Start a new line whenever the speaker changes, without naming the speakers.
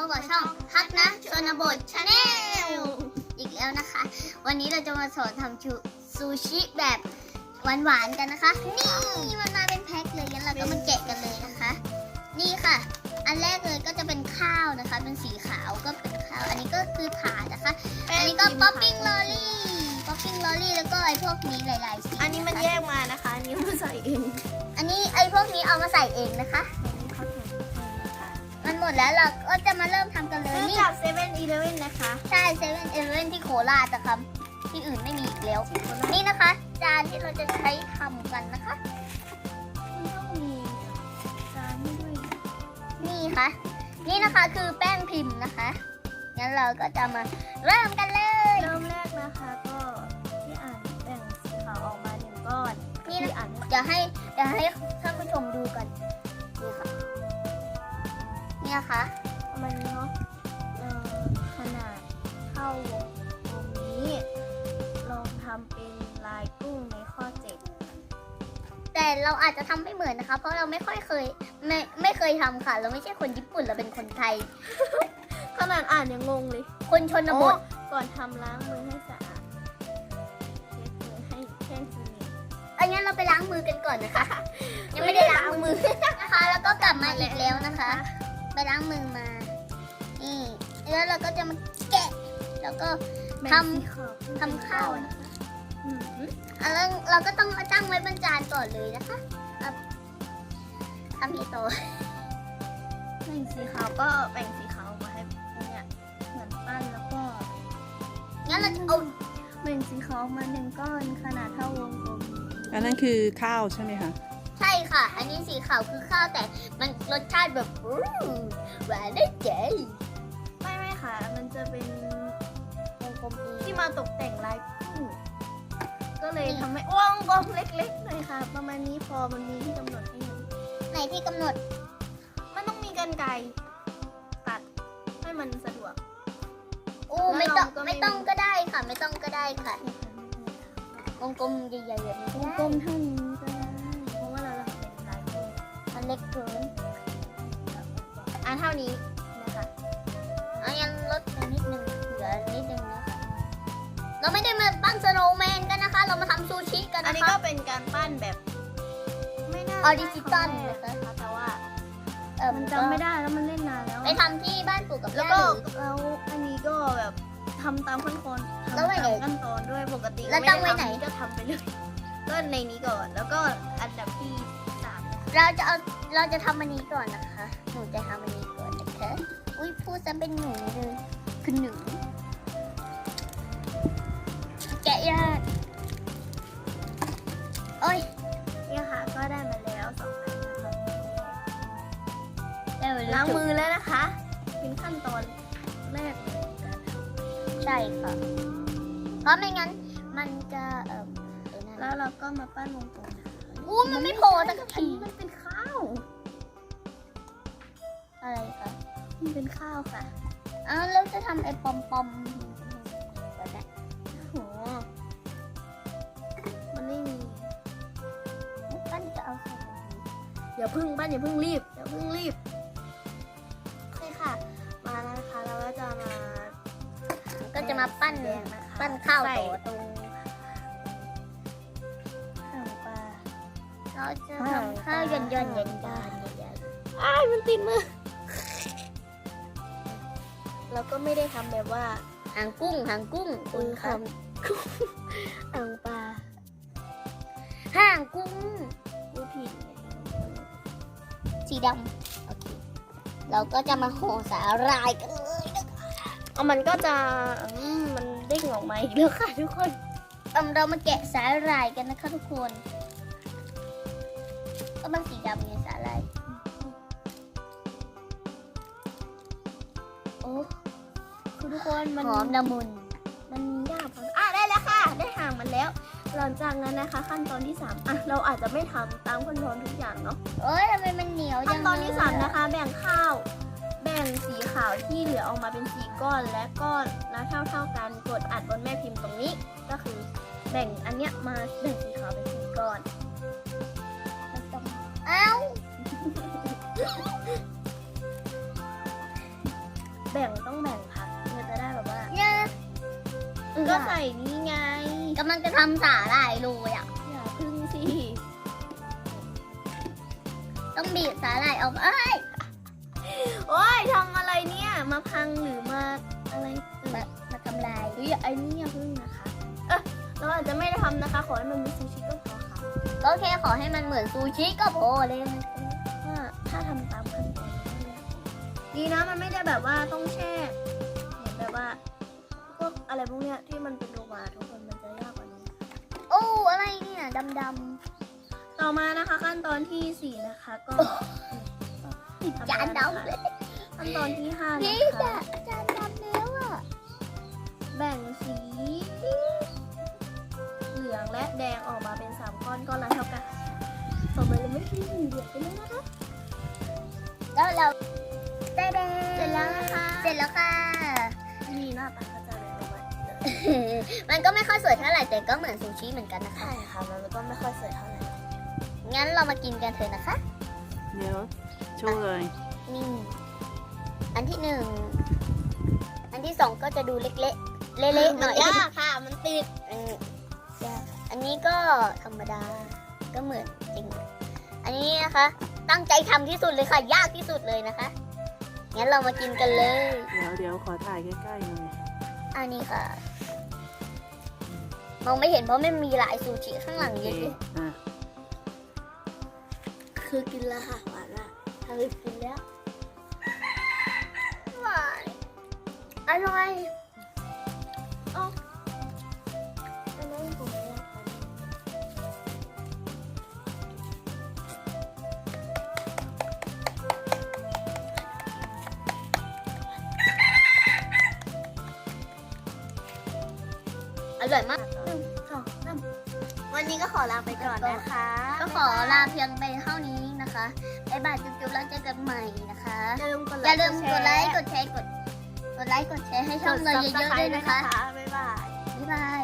กับช่องฮักนะชนบทชาแนลอีกแล้วนะคะวันนี้เราจะมาสอนทำซูชิแบบหวานๆกันนะคะนี่มันมาเป็นแพ็คเลยงั้นเราก็มาแกะกันเลยนะคะนี่ค่ะอันแรกเลยก็จะเป็นข้าวนะคะเป็นสีขาวก็เป็นข้าวอันนี้ก็คือถาดนะคะอันนี้ก็ป๊อปปิ้งลอรี่แล้วก็ไอ้พวกนี้หลายๆสี
อันนี้มันแยกมานะคะอันนี้มาใส่เอง
อันนี้ไอ้พวกนี้เอามาใส่เองนะคะมันหมดแล้วเราก็จะมาเริ่มทำกันเลย
ซื้อ
นี่
จากเซเว่นอีเลฟเว่นนะคะ
ใช่เซเว่นเอเลเว่นที่โคราชนะครับที่อื่นไม่มีอีกแล้วนี่นะคะ จานที่เราจะใช้ทำกันนะคะ
มันต้องมีจานให้ด้วย
นี่ค่ะนี่นะคะคือแป้งพิมพ์นะคะงั้นเราก็จะมาเริ่มกันเลย
เริ่มแรกนะคะก็ที่อ่านแบ่งสีขาวออกมาหนึ่งก้อน
นี่นะ
ที่อ่าน
เดี๋ยวให้ท่านผู้ชมดูกันนี่ค่ะนี่นะคะ
ประมาณนี้เนาะขนาดเท่าวงตรงนี้ลองทำเป็นลายกุ้งในข้อ7
แต่เราอาจจะทำไม่เหมือนนะคะ เพราะเราไม่เคยทำค่ะ เราไม่ใช่คนญี่ปุ่นเราเป็นคนไทย
ขนาดอ่านยังงงเลย
คนชนบท
ก่อนทำล้างมือให้สะอาดเช็ดมือให้แห้งสนิท
อันนี้เราไปล้างมือกันก่อนนะคะ ยังไม่ได้ล้างมือนะคะ แล้วก็กลับมาอีกแล้วนะคะ ไปล้างมือมา นี่แล้วเราก็จะมาแกะ แล้วก็ทำข้าวนะคะแล้วเราก็ต้องเอาตั้งไว้บนจานก่อนเลยนะคะทำที่โตะ
แบ่งสีขาวก็แบ่งสีขาวมาให้เนี่ยเหมือนปั้นแล้วก็
งั้นเราจะเอา
แบ่งสีขาวมาหนึ่งก้อนขนาดเท่าวงกลม
อันนั้นคือข้าวใช่ไหมคะ
ใช่ค่ะ อันนี้สีขาวคือข้าวแต่มันรสชาติแบบหวานได้ใจ
ไม่ค่ะ มันจะเป็น
วงกลมดี
ที่มาตกแต่งลายกุ้งก็เลยทำให้วงกลมเล็กๆหน่อยค่ะ ประมาณนี้พอมันมีที่กำหนดให้มัน
ไหนที่กำหนด
มันต้องมีกรรไกรตัดให้มันสะดวก
อู้
แล้ว
ไม่ต้อง
เราก็ไม่
ไม่ต้องก็ได้ค่ะ ไม่ต้องก็ได้ค่ะ วงกลมใหญ่ๆแบบนี้
วงกลมเท่านี้ก็ได้เพราะว่าเราทำเป็นลายกุ้ง
มันเล็กเกิน
เท่านี้นะคะ
เอายังลดไปนิดนึงเหลือนิดนึงนะคะเราไม่ได้มาปั้นสโนว์แมนกันนะคะ เรามาทำซูชิกัน
อัน
นะ
นี้
คะ
ก็เป็นการปั้นแบบไม่น่า
ออริจิตอล
นะ
นะคะ
คะแต่ว่า
มัน
จำไม่ได้แล้วมันเล่นนานแล้ว
ไปทำที่บ้านปู่กับ
แล้ว
ย่า
ก็
หรือ
แล้วอันนี้ก็แบบทำตามขั้นตอน
แล้วไว้
ทำ
ไหน
ตามขั้นตอนด้วยปกติ
แล้วตั้งไว้ไหน
ม่ด้ทำก็ทำไปเลยก็ในนี้ก่อนแล้วก็อันดับที่3
เราจะทำอันนี้ก่อนนะคะหนูจะทำอันนี้ก่อนนะคะอุ้ยพูดซะเป็นหนูเลยคือหนูแกะยากโอ้ย
เนี่ยค่ะก็ได้มาแล้ว2 อันนะคะ
ได้เว
ล้างมือแล้วนะคะ เป็นขั้นตอนแรกของการท
ใช่ค่ะ เพราะไม่งั้นมันจะไอ้นั่
ำ
น
แล้วเราก็มาปั้นวงกลมนะคะ
อู้มันไม่โผล่สัก
อัน
ที
นี้มันเป็นข้าว
อะไรคะ
มันเป็นข้าวค่ะ
อ้าวเราจะทำไอ้ปอมก่อนนะ
โหมันไม่มี
ปั้นจะเอาใส่
อย่าเพึ่งปั้นอย่าเพึ่งรีบโอเคค่ะ มาแล้วนะคะเราก็จะมา
ก็จะมาปั้น
แดงนะคะ
ปั้นข้าว
ใส่
ต่อ
ตรงหางปลา
เราจะทำข้าวย่อนๆใหญ่ๆ
อ้ายมันติดมือเราก็ไม่ได้ทำแบบว่า
หางกุ้งคุณ
ท
ค่ะ
ำหางปลา
ห่างกุ้ง
ผู้ผิดเนี่ย
สีดำโอเคเราก็จะมาห่อสาหร่ายกันเลยนะคะ
เอามันก็จะมันเด้งออกมาอีกแล้วค่ะทุกคน
เรามาแกะสาหร่ายกันนะคะทุกคนก็มันสีดำไงสาหร่ายโอ้
คือทุกคนมัน
หอมละมุน
มันยากพอได้แล้วค่ะ ได้ห่างมันแล้ว หลังจากนั้นนะคะ ขั้นตอนที่3เราอาจจะไม่ทำตามขั้นตอนทุกอย่างเนาะ
เอ้ยทำไมมันเหนียวจั
ขั้น
ง
ตอนที่
เลย
3นะคะ แบ่งข้าว แบ่งสีขาวที่เหลือออกมาเป็น4 ก้อนและก้อนแล้วเท่ากันกดอัดบนแม่พิมพ์ตรงนี้ ก็คือแบ่งอันเนี้ยมาแบ่งสีขาวเป็น4 ก้อน
เอ้า
ต้องแบ่งพักเพื่อจะได้แบบว่า
เนี่ย
ก็ใส่นี่ไง
กำลังจะทำสาหร่ายโรยอ่ะ
อย่าพึ่งสิ
ต้องบีบสาหร่ายออกเอ้ย
โอ้ยทำอะไรเนี่ยมาพังหรือมาอะไร
มาทำลาย
หรือไอ้นี่อย่าพึ่งนะคะเราอาจจะไม่ได้ทำนะคะ ขอให้มันมีซูชิก็พอค่ะ
ก็แค่ขอให้มันเหมือนซูชิก็พอเลย
ว่าถ้าทำตามขั้นตอนดีนะมันไม่ได้แบบว่าต้องแช่เหมือนแบบว่าพวกอะไรพวกเนี้ยที่มันเป็นโลมาทุกคนมันจะยากกว่านี้
โอ้อะไรเนี่ยดำ
ต่อมานะคะขั้นตอนที่ 4 นะคะ ก็
ๆจานดำเลย
ขั้นตอนที่ 5
นี่
นะคะ
จานดำแล้วอ่ะ
แบ่งสีเหลืองและแดงออกมาเป็น3ก้อนก้อนละเท่ากันต่อมาเราไม่ใช่เหลืองไปเลยนะคะ
แล้วเราได้แดง
เสร็จแล้วนะคะ
เสร็จแล้วค่ะ
มีหน้าตาก็จะเลยประมาณนี้เลย
มันก็ไม่ค่อยสวยเท่าไหร่แต่ก็เหมือนซูชิเหมือนกันนะคะ
ใช่ค่ะมันก็ไม่ค่อยสวยเท่าไหร่
งั้นเรามากินกันเถอะนะคะ
เดี๋ยวโชว์เลย
นี่ อันที่ 1 อันที่ 2 ก็จะดูเล็กๆ เละๆหน่อย
ยากค่ะมันติด
ยากอันนี้ก็ธรรมดา ก็เหมือนจริง อันนี้นะคะ ตั้งใจทำที่สุดเลยค่ะ ยากที่สุดเลยนะคะ งั้นเรามากินกันเลย
เดี๋ยวขอถ่ายใกล้ๆหน่อย
อันนี้ค่ะ มองไม่เห็นเพราะไม่มีลายซูชิข้างหลัง
โอ
เย
เค
อะ
อ่ะ
คือกินแล้วค่ะหวานละ
ๆเคยกินแล้วหวานอร่อย
อันนั้นผมไม่ได้ทาน
อร่อยมาก
วันนี้ก็ขอลาไปก่อนนะคะ
ก็ขอลาเพียงไปเท่านี้นะคะบ๊ายบายจุ๊บๆแล้วเจอกันใหม่นะคะ อย่าลืมกดไลค์ กดแชร์ กดไลค์ กดแชร์ให้ช่องเราเยอะๆด้วยนะคะ
บ๊ายบาย
บ๊ายบาย